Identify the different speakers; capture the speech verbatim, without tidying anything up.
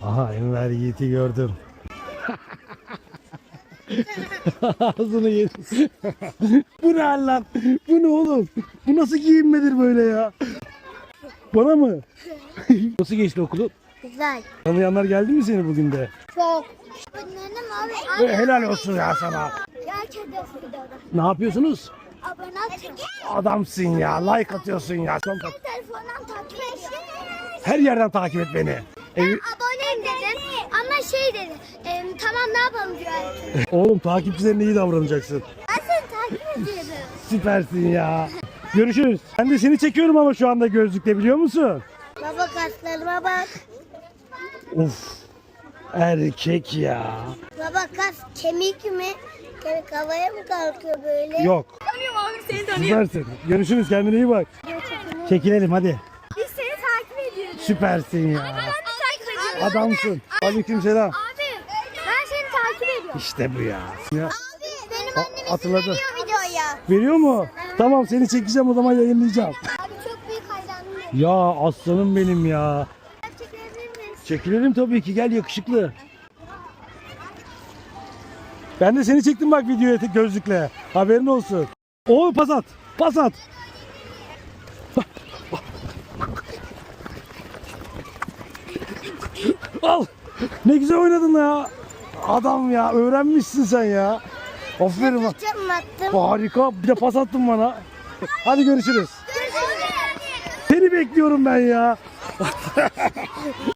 Speaker 1: Aha Enver Yiğit'i gördüm. Ağzını yedi. Bu ne hal lan? Bu ne oğlum? Bu nasıl giyinmedir böyle ya? Bana mı? Nasıl geçti okulun?
Speaker 2: Güzel.
Speaker 1: Tanıyanlar geldi mi seni bugün de?
Speaker 2: Çok. Benim abi.
Speaker 1: E, helal olsun ya sana.
Speaker 2: Gerçekten videoda.
Speaker 1: Ne yapıyorsunuz?
Speaker 2: Abone atın.
Speaker 1: Adamsın ya. Like atıyorsun ya. Son kat-
Speaker 2: Telefondan takip et.
Speaker 1: Her yerden takip et beni. Evi...
Speaker 2: Aboneyim dedim ama şey dedi. E, tamam ne yapalım diyor.
Speaker 1: Oğlum takipçilerine iyi davranacaksın.
Speaker 2: Ben seni takip ediyorum.
Speaker 1: Süpersin ya. Görüşürüz. Ben de seni çekiyorum ama şu anda gözlükle, biliyor musun?
Speaker 2: Baba kaslarıma bak.
Speaker 1: Of. Erkek ya.
Speaker 2: Baba kas kemik mi? Kemik havaya mı kalkıyor böyle?
Speaker 1: Yok.
Speaker 3: Tanıyorum abi, seni tanıyorum.
Speaker 1: Süpersin. Görüşürüz. Kendine iyi bak. Çekilelim hadi.
Speaker 3: Biz seni takip ediyoruz.
Speaker 1: Süpersin ya.
Speaker 3: Ben de takip ediyorum.
Speaker 1: Adamsın. Aleykümselam.
Speaker 2: Abi ben seni takip ediyorum.
Speaker 1: İşte bu ya. Ya.
Speaker 2: Abi benim
Speaker 1: A-
Speaker 2: annem izin
Speaker 1: hatırladım.
Speaker 2: veriyor videoya.
Speaker 1: Veriyor mu? Tamam, seni çekeceğim, o zaman yayınlayacağım.
Speaker 2: Abi çok büyük hayranım.
Speaker 1: Ya aslanım benim ya.
Speaker 2: Çekebilir miyiz?
Speaker 1: Çekilelim tabii ki, gel yakışıklı. Ben de seni çektim bak videoya tek gözlükle. Haberin olsun. Oo, pas at. Pas at. Al. Ne güzel oynadın ya. Adam ya, öğrenmişsin sen ya. Aferin bak.
Speaker 2: Çok attım.
Speaker 1: Harika. Bir de pas attın bana. Hadi görüşürüz. Seni bekliyorum ben ya.